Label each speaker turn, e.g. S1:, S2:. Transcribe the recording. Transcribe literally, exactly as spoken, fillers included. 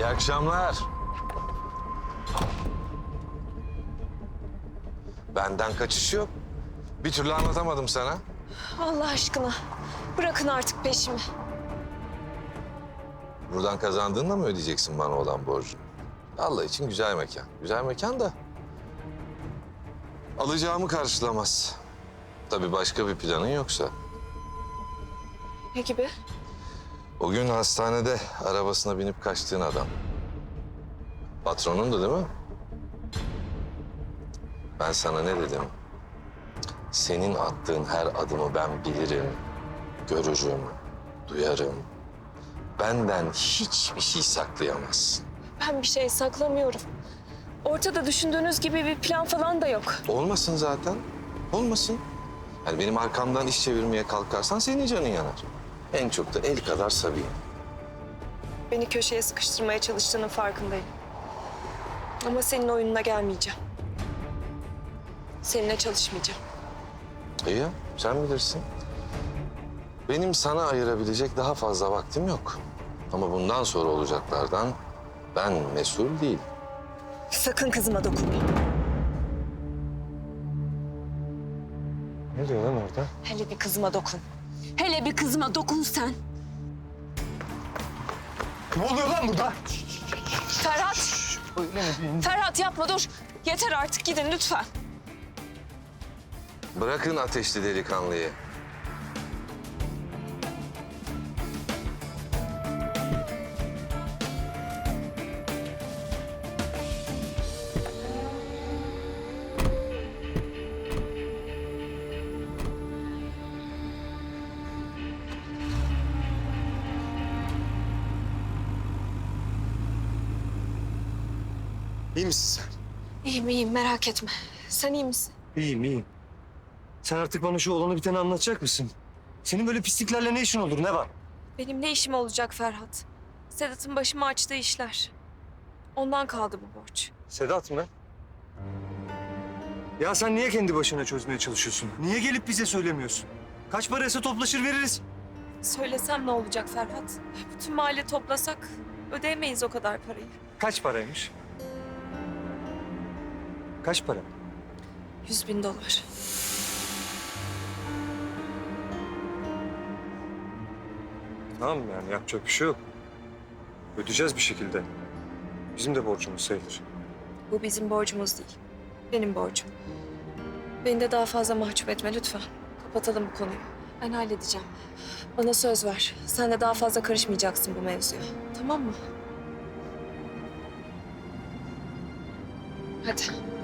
S1: İyi akşamlar. Benden kaçış yok. Bir türlü anlatamadım sana.
S2: Allah aşkına bırakın artık peşimi.
S1: Buradan kazandığınla mı ödeyeceksin bana olan borcunu? Allah için güzel mekan. Güzel mekan da alacağımı karşılamaz. Tabii başka bir planın yoksa.
S2: Ne gibi?
S1: O gün hastanede arabasına binip kaçtığın adam. Patronundu değil mi? Ben sana ne dedim? Senin attığın her adımı ben bilirim, görürüm, duyarım. Benden hiçbir şey saklayamazsın.
S2: Ben bir şey saklamıyorum. Ortada düşündüğünüz gibi bir plan falan da yok.
S1: Olmasın zaten, olmasın. Yani benim arkamdan iş çevirmeye kalkarsan senin canın yanar. En çok da el kadar Sabiha.
S2: Beni köşeye sıkıştırmaya çalıştığının farkındayım. Ama senin oyununa gelmeyeceğim. Seninle çalışmayacağım.
S1: İyi ya, sen bilirsin. Benim sana ayırabilecek daha fazla vaktim yok. Ama bundan sonra olacaklardan ben mesul değil.
S2: Sakın kızıma dokunma.
S1: Ne diyor lan orada?
S2: Hele bir kızıma dokun. Hele bir kızıma dokun sen.
S3: Ne oluyor lan burada?
S2: Ferhat! Ferhat yapma dur. Yeter artık gidin lütfen.
S1: Bırakın ateşli delikanlıyı.
S3: İyi misin sen?
S2: İyiyim iyiyim merak etme. Sen iyi misin?
S3: İyiyim, iyiyim. Sen artık bana şu olanı biteni anlatacak mısın? Senin böyle pisliklerle ne işin olur, ne var?
S2: Benim ne işim olacak Ferhat? Sedat'ın başıma açtığı işler. Ondan kaldı bu borç.
S3: Sedat mı? Ya sen niye kendi başına çözmeye çalışıyorsun? Niye gelip bize söylemiyorsun? Kaç paraysa toplaşır veririz.
S2: Söylesem ne olacak Ferhat? Bütün mahalle toplasak ödeyemeyiz o kadar parayı.
S3: Kaç paraymış? Kaç para?
S2: Yüz bin dolar.
S3: Tamam yani yapacak bir şey yok. Ödeyeceğiz bir şekilde. Bizim de borcumuz sayılır.
S2: Bu bizim borcumuz değil. Benim borcum. Beni de daha fazla mahcup etme lütfen. Kapatalım bu konuyu. Ben halledeceğim. Bana söz ver. Sen de daha fazla karışmayacaksın bu mevzuya. Tamam mı? Hadi.